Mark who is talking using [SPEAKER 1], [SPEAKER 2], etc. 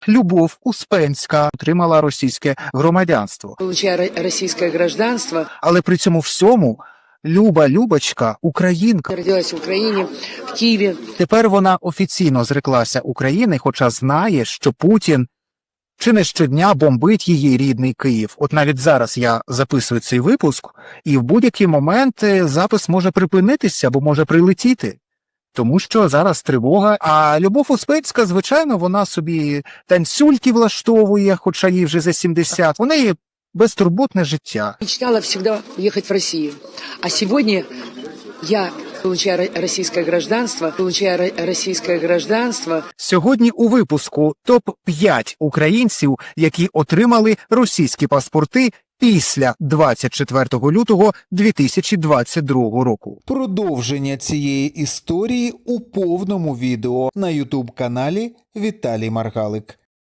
[SPEAKER 1] Любов Успенська отримала російське громадянство.
[SPEAKER 2] Получая российское гражданство,
[SPEAKER 1] Але при цьому всьому Любочка – українка.
[SPEAKER 2] родилась в Украине, в Киеве.
[SPEAKER 1] Тепер вона офіційно зреклася України, хоча знає, що Путін чи не щодня бомбить її рідний Київ. От навіть зараз я записую цей випуск, і в будь-який момент запис може припинитися, або може прилетіти. Тому що зараз тривога, а Любов Успенська, звичайно, вона собі танцюльки влаштовує, хоча їй вже за 70. У неї безтурботне життя.
[SPEAKER 2] Мечтала всегда уехать в Россию. А сегодня я, получая российское гражданство,
[SPEAKER 1] Сьогодні у випуску топ-5 українців, які отримали російські паспорти після 24 лютого 2022 року. Продовження цієї історії у повному відео на YouTube-каналі Віталій Маргалик.